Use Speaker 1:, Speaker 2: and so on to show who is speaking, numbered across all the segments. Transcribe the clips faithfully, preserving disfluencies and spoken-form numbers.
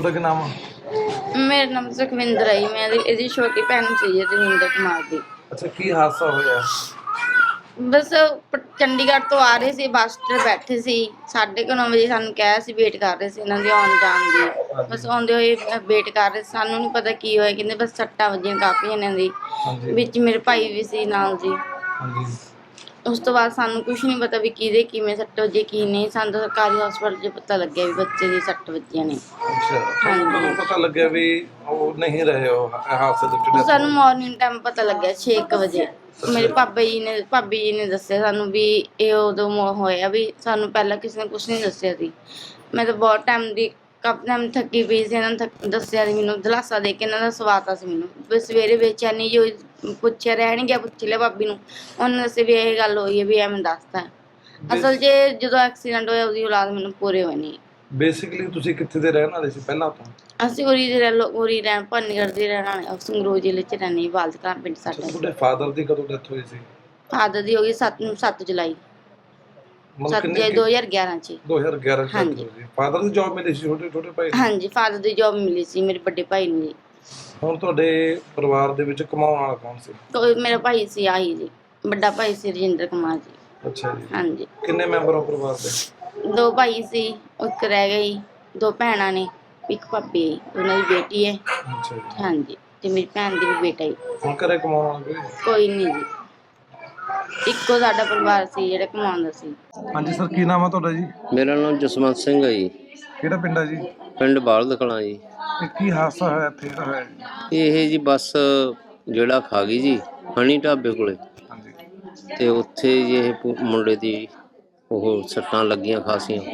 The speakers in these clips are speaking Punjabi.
Speaker 1: ਤੁਹਾਡਾ ਕੀ ਨਾਮ ਆ?
Speaker 2: ਮੇਰਾ ਨਾਮ ਸੁਖਵਿੰਦਰ ਹੈ ਜੀ। ਮੈਂ ਇਹਦੀ ਇਹਦੀ ਛੋਟੀ ਭੈਣ ਸੀ ਜੀ, ਰਜਿੰਦਰ ਕੁਮਾਰ ਦੀ।
Speaker 1: ਅੱਛਾ, ਕੀ ਹਾਦਸਾ ਹੋਇਆ?
Speaker 2: ਬਸ ਪ- ਚੰਡੀਗੜ੍ਹ ਤੋਂ ਆ ਰਹੇ ਸੀ, ਬੱਸ 'ਤੇ ਬੈਠੇ ਸੀ। ਸਾਢੇ ਕੁ ਨੌ ਵਜੇ ਸਾਨੂੰ ਕਿਹਾ ਸੀ, ਵੇਟ ਕਰ ਰਹੇ ਸੀ ਇਹਨਾਂ ਦੀ ਆਉਣ ਜਾਣ ਦੀ। ਬਸ ਆਉਂਦੇ ਹੋਏ ਵੇਟ ਕਰ ਰਹੇ ਸੀ। ਸਾਨੂੰ ਨਹੀਂ ਪਤਾ ਕੀ ਹੋਇਆ, ਕਹਿੰਦੇ ਬਸ ਸੱਟਾਂ ਵੱਜੀਆਂ ਕਾਫੀ ਇਹਨਾਂ ਦੀ।
Speaker 1: ਹਾਂਜੀ
Speaker 2: ਵਿੱਚ ਮੇਰੇ ਭਾਈ ਵੀ ਸੀ ਨਾਲ ਜੀ।
Speaker 1: ਹਾਂਜੀ
Speaker 2: ਉਸ ਤੋਂ ਬਾਅਦ ਸਾਨੂੰ ਕੁਝ ਨਹੀਂ ਪਤਾ ਵੀ ਕਿਹਦੇ ਕਿਵੇਂ ਸੱਟ ਵੱਜੀ ਕੀ ਨਹੀਂ। ਸਾਨੂੰ ਤਾਂ ਸਰਕਾਰੀ ਹਸਪਤਾਲ 'ਚ ਪਤਾ ਲੱਗਿਆ ਵੀ ਬੱਚੇ ਦੀ ਸੱਟ ਵੱਜੀਆਂ ਨੇ।
Speaker 1: ਅੱਛਾ, ਤੁਹਾਨੂੰ ਕਦੋਂ ਪਤਾ ਲੱਗਿਆ ਵੀ ਉਹ ਨਹੀਂ ਰਹੇ ਉਹ ਹਾਦਸੇ ਦੇ ਵਿੱਚ?
Speaker 2: ਸਾਨੂੰ ਮਾਰਨਿੰਗ ਟਾਈਮ ਪਤਾ ਲੱਗਿਆ ਛੇ ਕੁ ਵਜੇ। ਮੇਰੇ ਪਾਪਾ ਜੀ ਨੇ ਭਾਬੀ ਜੀ ਨੇ ਦੱਸਿਆ ਸਾਨੂੰ ਵੀ ਇਹ ਉਦੋਂ ਮੋ- ਹੋਇਆ ਵੀ। ਸਾਨੂੰ ਪਹਿਲਾਂ ਕਿਸੇ ਨੇ ਕੁਛ ਨਹੀਂ ਦੱਸਿਆ ਸੀ। ਮੈਂ ਤਾਂ ਬਹੁਤ ਟਾਈਮ ਦੀ ਕਾਫੀ ਟਾਈਮ ਥੱਕੀ ਪਈ ਸੀ। ਇਹਨਾਂ ਨੇ ਥੱਕ- ਦੱਸਿਆ ਸੀ ਮੈਨੂੰ, ਦਿਲਾਸਾ ਦੇ ਕੇ ਇਹਨਾਂ ਦਾ ਸਵਾਤਾ ਸੀ ਮੈਨੂੰ। ਵੀ ਸਵੇਰੇ ਬੇਚੈਨੀ ਜੋ ਪੁੱਛਿਆ ਰਹਿਣ ਗਿਆ, ਪੁੱਛ ਲਿਆ ਭਾਬੀ ਨੂੰ, ਉਹਨੇ ਦੱਸਿਆ ਵੀ ਇਹ ਗੱਲ ਹੋਈ ਹੈ ਵੀ ਐਵੇਂ ਦੱਸਤਾ। ਅਸਲ 'ਚ ਜਦੋਂ ਐਕਸੀਡੈਂਟ ਹੋਇਆ ਉਹਦੀ ਔਲਾਦ ਮੈਨੂੰ ਪੂਰੇ ਹੋਏ ਨਹੀਂ।
Speaker 1: ਬੇਸਿਕਲੀ ਤੁਸੀਂ ਕਿੱਥੇ ਦੇ ਰਹਿਣ ਵਾਲੇ ਸੀ ਪਹਿਲਾਂ ਤੋਂ?
Speaker 2: ਅਸੀਂ ਉਰੀ ਦੇ ਰਹਿ ਉਰੀ ਰਹਿਣ ਭਾਨੀਗੜ੍ਹ ਦੇ ਰਹਿਣ ਵਾਲੇ, ਸੰਗਰੂਰ ਜ਼ਿਲ੍ਹੇ 'ਚ ਰਹਿੰਦੇ, ਬਾਲਦ ਕਲਾਂ ਪਿੰਡ
Speaker 1: ਅੱਛਾ,
Speaker 2: ਸਾਡਾ।
Speaker 1: ਤੁਹਾਡੇ ਫਾਦਰ ਦੀ ਕਦੋਂ ਡੈਥ ਹੋਈ ਸੀ?
Speaker 2: ਫਾਦਰ ਦੀ ਹੋ ਗਈ ਸੱਤ ਸੱਤ ਜੁਲਾਈ
Speaker 1: ਮਤਲਬ
Speaker 2: ਸੱਤ
Speaker 1: ਕਿੰਨੇ
Speaker 2: ਜੁਲਾਈ ਦੋ ਹਜ਼ਾਰ ਗਿਆਰਾਂ 'ਚ।
Speaker 1: ਦੋ ਹਜ਼ਾਰ ਗਿਆਰਾਂ ਚ ਡੈਥ
Speaker 2: ਹਾਂਜੀ।
Speaker 1: ਹੋਈ ਸੀ। ਫਾਦਰ ਦੀ ਜੌਬ ਮਿਲੀ ਸੀ ਛੋਟੇ ਛੋਟੇ ਭਾਈ ਨੂੰ?
Speaker 2: ਹਾਂਜੀ, ਫਾਦਰ ਦੀ ਜੋਬ ਮਿਲੀ ਸੀ ਮੇਰੇ ਵੱਡੇ ਭਾਈ ਨੂੰ ਜੀ।
Speaker 1: ਹੁਣ ਤੁਹਾਡੇ ਪਰਿਵਾਰ ਦੇ ਵਿੱਚ ਕਮਾਉਣ ਵਾਲਾ ਕੌਣ ਸੀ?
Speaker 2: ਕੋਈ ਮੇਰਾ ਭਾਈ ਸੀ ਆਹੀ ਜੀ, ਵੱਡਾ ਭਾਈ ਸੀ ਰਜਿੰਦਰ ਕੁਮਾਰ ਜੀ।
Speaker 1: ਅੱਛਾ ਜੀ।
Speaker 2: ਹਾਂਜੀ,
Speaker 1: ਕਿੰਨੇ ਮੈਂਬਰ ਹੋ ਪਰਿਵਾਰ ਦੇ?
Speaker 2: ਦੋ ਭਾਈ ਸੀ, ਇੱਕ ਰਹਿ ਗਈ, ਦੋ ਭੈਣਾਂ ਨੇ, ਇੱਕ ਭਾਬੀ ਹੈ, ਉਹਨਾਂ ਦੀ ਬੇਟੀ ਹੈ।
Speaker 1: ਅੱਛਾ ਜੀ।
Speaker 2: ਹਾਂਜੀ, ਤੇ ਮੇਰੀ ਭੈਣ ਦੀ ਵੀ ਬੇਟਾ ਹੀ।
Speaker 1: ਹੁਣ ਘਰੇ ਕਮਾਉਣ ਵਾਲਾ ਕੋਈ?
Speaker 2: ਕੋਈ ਨਹੀਂ ਜੀ, ਇੱਕੋ ਸਾਡਾ ਪਰਿਵਾਰ ਸੀ ਜਿਹੜਾ ਕਮਾਉਂਦਾ ਸੀ।
Speaker 1: ਹਾਂਜੀ ਸਰ, ਕੀ ਨਾਮ ਆ ਤੁਹਾਡਾ ਜੀ?
Speaker 3: ਮੇਰਾ ਨਾਮ ਜਸਵੰਤ ਸਿੰਘ ਹੈ ਜੀ।
Speaker 1: ਕਿਹੜਾ ਪਿੰਡ ਆ ਜੀ?
Speaker 3: ਪਿੰਡ ਬਾਲਦ ਕਲਾਂ ਜੀ।
Speaker 1: ਇਹ ਕੀ ਹਾਦਸਾ ਹੋਇਆ ਇੱਥੇ ਜਿਹੜਾ ਹੋਇਆ ਜੀ?
Speaker 3: ਇਹ ਜੀ ਬੱਸ ਜਿਹੜਾ ਖਾ ਗਈ ਜੀ ਹਣੀ ਢਾਬੇ ਕੋਲੇ,
Speaker 1: ਹਾਂਜੀ
Speaker 3: ਤੇ ਉੱਥੇ ਜੀ ਇਹ ਪੁ- ਮੁੰਡੇ ਦੀ ਉਹ ਸੱਟਾਂ ਲੱਗੀਆਂ ਖਾਸੀਆਂ,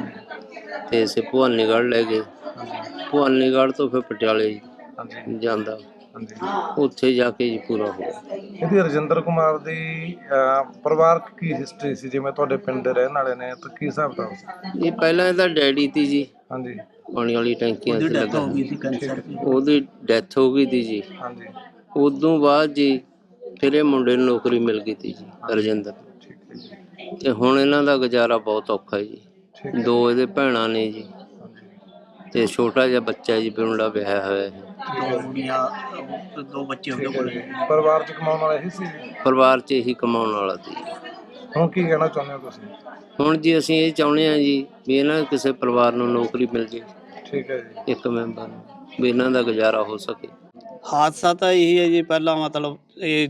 Speaker 3: ਤੇ ਇਸੇ ਭਵਾਨੀਗੜ੍ਹ ਲੈ ਗਏ। ਭਵਾਨੀਗੜ੍ਹ ਤੋਂ ਫਿਰ ਪਟਿਆਲੇ
Speaker 1: ਹਾਂਜੀ
Speaker 3: ਜਾਂਦਾ,
Speaker 1: ਹਾਂਜੀ।
Speaker 3: ਉੱਥੇ ਜਾ ਕੇ ਜੀ ਪੂਰਾ ਹੋ ਗਿਆ।
Speaker 1: ਇਹਦੀ ਰਜਿੰਦਰ ਕੁਮਾਰ ਦੀ ਅਹ, ਪਰਿਵਾਰਕ ਕੀ ਹਿਸਟਰੀ ਸੀ? ਜਿਵੇਂ ਤੁਹਾਡੇ ਪਿੰਡ ਦੇ ਰਹਿਣ ਵਾਲੇ ਨੇ ਤਾਂ ਕੀ ਹਿਸਾਬ ਦਾ ਸੀ?
Speaker 3: ਇਹ ਪਹਿਲਾਂ ਇਹਦਾ ਡੈਡੀ ਤੀ ਜੀ,
Speaker 1: ਹਾਂਜੀ
Speaker 3: ਪਾਣੀ ਵਾਲੀ ਟੈਂਕੀਆਂ 'ਚ ਲੱਗਾ,
Speaker 1: ਠੀਕ ਹੈ ਜੀ।
Speaker 3: ਉਹਦੀ ਡੈਥ ਹੋ ਗਈ ਤੀ ਜੀ।
Speaker 1: ਹਾਂਜੀ
Speaker 3: ਉਦੋਂ ਬਾਅਦ ਜੀ ਫਿਰ ਇਹ ਮੁੰਡੇ ਨੂੰ ਨੌਕਰੀ ਮਿਲ ਗਈ ਤੀ ਜੀ, ਰਜਿੰਦਰ।
Speaker 1: ਠੀਕ ਹੈ ਜੀ।
Speaker 3: ਤੇ ਹੁਣ ਇਹਨਾਂ ਦਾ ਗੁਜ਼ਾਰਾ ਬਹੁਤ ਔਖਾ ਹੈ ਜੀ।
Speaker 1: ਠੀਕ ਹੈ।
Speaker 3: ਦੋ ਇਹਦੇ ਭੈਣਾਂ ਨੇ ਜੀ,
Speaker 1: ਹਾਂਜੀ
Speaker 3: ਤੇ ਛੋਟਾ ਜਿਹਾ ਬੱਚਾ ਜੀ, ਮੁੰਡਾ ਵਿਆਹਿਆ ਹੋਇਆ ਹੈ।
Speaker 4: ਦੋ ਕੁੜੀਆਂ ਦੋ ਬੱਚੇ ਉਹਦੇ
Speaker 1: ਠੀਕ ਹੈ
Speaker 4: ਕੋਲ।
Speaker 1: ਜੀ। ਪਰਿਵਾਰ ਚ ਕਮਾਉਣ ਵਾਲਾ ਇਹੀ ਸੀ ਜੀ?
Speaker 3: ਪਰਿਵਾਰ 'ਚ ਇਹੀ ਕਮਾਉਣ ਵਾਲਾ ਸੀ।
Speaker 1: ਹੁਣ ਕੀ ਕਹਿਣਾ ਚਾਹੁੰਦੇ ਹੋ ਤੁਸੀਂ?
Speaker 3: ਹੁਣ ਜੀ ਅਸੀਂ ਇਹ ਚਾਹੁੰਦੇ ਹਾਂ ਜੀ ਵੀ ਇਹਨਾਂ ਦੇ ਕਿਸੇ ਪਰਿਵਾਰ ਨੂੰ ਨੌਕਰੀ ਮਿਲ ਜੇ,
Speaker 1: ਠੀਕ ਹੈ ਜੀ।
Speaker 3: ਇੱਕ ਮੈਂਬਰ ਨੂੰ, ਵੀ ਇਹਨਾਂ ਦਾ ਗੁਜ਼ਾਰਾ ਹੋ ਸਕੇ।
Speaker 4: ਹਾਦਸਾ ਤਾਂ ਇਹੀ ਹੈ ਜੀ, ਪਹਿਲਾਂ ਮਤਲਬ ਇਹ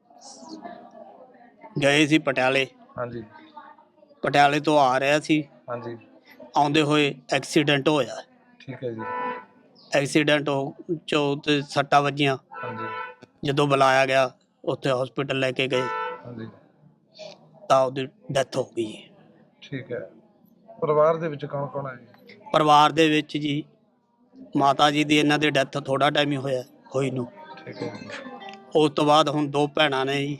Speaker 4: ਗਏ ਸੀ ਪਟਿਆਲੇ,
Speaker 1: ਹਾਂਜੀ
Speaker 4: ਪਟਿਆਲੇ ਤੋਂ ਆ ਰਿਹਾ ਸੀ,
Speaker 1: ਹਾਂਜੀ
Speaker 4: ਆਉਂਦੇ ਹੋਏ ਐਕਸੀਡੈਂਟ ਹੋਇਆ।
Speaker 1: ਠੀਕ ਹੈ ਜੀ।
Speaker 4: ਐਕਸੀਡੈਂਟ ਹੋ ਚੋਂ ਤੇ ਸੱਟਾਂ ਵੱਜੀਆਂ।
Speaker 1: ਹਾਂਜੀ
Speaker 4: ਜਦੋਂ ਬੁਲਾਇਆ ਗਿਆ ਉੱਥੇ ਹਸਪੀਟਲ ਲੈ ਕੇ ਗਏ
Speaker 1: ਹਾਂਜੀ
Speaker 4: ਤਾਂ ਉਹਦੀ ਡੈਥ ਹੋ ਗਈ।
Speaker 1: ਠੀਕ ਹੈ। ਪਰਿਵਾਰ ਦੇ ਵਿੱਚ ਕੌਣ ਕੌਣ ਹੈ ਜੀ?
Speaker 4: ਪਰਿਵਾਰ ਦੇ ਵਿੱਚ ਜੀ ਮਾਤਾ ਜੀ ਦੀ, ਇਹਨਾਂ ਦੀ ਡੈਥ ਥੋੜਾ ਟਾਈਮ ਹੀ ਹੋਇਆ ਹੋਈ ਨੂੰ।
Speaker 1: ਠੀਕ ਹੈ ਜੀ।
Speaker 4: ਉਸ ਤੋਂ ਬਾਅਦ ਹੁਣ ਦੋ ਭੈਣਾਂ ਨੇ ਜੀ,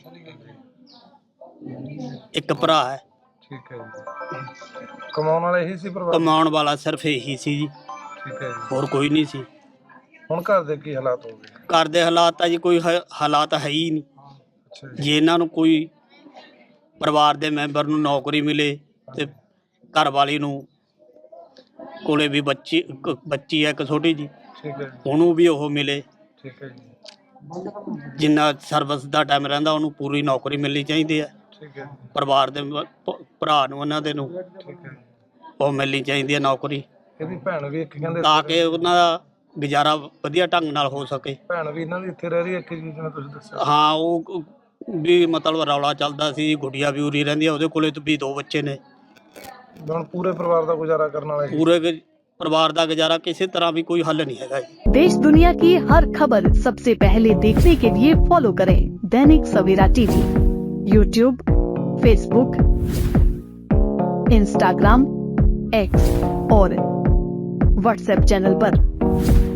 Speaker 4: ਇੱਕ ਭਰਾ ਹੈ।
Speaker 1: ਠੀਕ ਹੈ ਜੀ। ਕਮਾਉਣ ਵਾਲਾ ਇਹੀ ਸੀ ਪਰਿਵਾਰ?
Speaker 4: ਕਮਾਉਣ ਵਾਲਾ ਸਿਰਫ ਇਹੀ ਸੀ ਜੀ,
Speaker 1: ਠੀਕ ਹੈ ਜੀ।
Speaker 4: ਹੋਰ ਕੋਈ ਨਹੀਂ ਸੀ।
Speaker 1: ਹੁਣ ਘਰ ਦੇ ਕੀ ਹਾਲਾਤ ਹੋ ਗਏ?
Speaker 4: ਘਰ ਦੇ ਹਾਲਾਤ ਤਾਂ ਜੀ ਕੋਈ ਹ- ਹਾਲਾਤ ਹੈ ਹੀ ਨਹੀਂ।
Speaker 1: ਅੱਛਾ ਜੀ।
Speaker 4: ਜੇ ਇਹਨਾਂ ਨੂੰ ਕੋਈ ਪਰਿਵਾਰ ਦੇ ਮੈਂਬਰ ਨੂੰ ਨੌਕਰੀ ਮਿਲੇ ਤੇ ਘਰ ਵਾਲੀ ਨੂੰ ਕੋਲੇ ਵੀ ਬੱਚੀ ਇੱਕ ਬੱਚੀ ਹੈ, ਇੱਕ ਛੋਟੀ ਜੀ,
Speaker 1: ਠੀਕ ਹੈ ਜੀ।
Speaker 4: ਉਹਨੂੰ ਵੀ ਉਹ ਮਿਲੇ।
Speaker 1: ਠੀਕ ਹੈ ਜੀ।
Speaker 4: ਜਿੰਨਾ ਸਰਵਿਸ ਦਾ ਟਾਈਮ ਰਹਿੰਦਾ ਉਹਨੂੰ ਪੂਰੀ ਨੌਕਰੀ ਮਿਲਣੀ ਚਾਹੀਦੀ ਹੈ।
Speaker 1: ਠੀਕ ਹੈ ਜੀ।
Speaker 4: ਪਰਿਵਾਰ ਦੇ ਭ- ਭ- ਭਰਾ ਨੂੰ ਉਹਨਾਂ ਦੇ ਨੂੰ
Speaker 1: ਠੀਕ ਹੈ।
Speaker 4: ਉਹ ਮਿਲਣੀ ਚਾਹੀਦੀ ਹੈ ਨੌਕਰੀ,
Speaker 1: ਇਹਦੀ ਭੈਣ ਵੀ ਇੱਕ ਕਹਿੰਦੇ
Speaker 4: ਤਾਂ ਕਿ ਉਹਨਾਂ ਦਾ ਗੁਜ਼ਾਰਾ ਵਧੀਆ ਢੰਗ ਨਾਲ ਹੋ ਸਕੇ।
Speaker 1: ਭੈਣ ਵੀ ਇਹਨਾਂ ਦੀ ਇੱਥੇ ਰਹਿ ਰਹੀ ਹੈ, ਇੱਕ ਜੀ ਜਿਵੇਂ ਤੁਸੀਂ ਦੱਸਿਆ?
Speaker 4: ਹਾਂ, ਉਹ ਵੀ ਮਤਲਬ ਰੌਲਾ ਚੱਲਦਾ ਸੀ, ਗੁੱਡੀਆ ਵੀ ਉਰੀ ਰਹਿੰਦੀ ਆ, ਉਹਦੇ ਕੋਲੇ ਤਾਂ ਵੀ ਦੋ ਬੱਚੇ ਨੇ।
Speaker 1: ਹੁਣ ਪੂਰੇ ਪਰਿਵਾਰ ਦਾ ਗੁਜ਼ਾਰਾ ਕਰਨ ਵਾਲਾ ਇਹੀ?
Speaker 4: ਪੂਰੇ ਗੁ- ਪਰਿਵਾਰ ਦਾ ਗੁਜ਼ਾਰਾ ਕਿਸੇ ਤਰ੍ਹਾਂ ਵੀ ਕੋਈ ਹੱਲ ਨਹੀਂ ਹੈਗਾ ਜੀ।
Speaker 5: देश दुनिया की हर खबर सबसे पहले देखने के लिए फॉलो करें Dainik Savera TV, YouTube, Facebook, Instagram, X और व्हाट्सएप चैनल पर।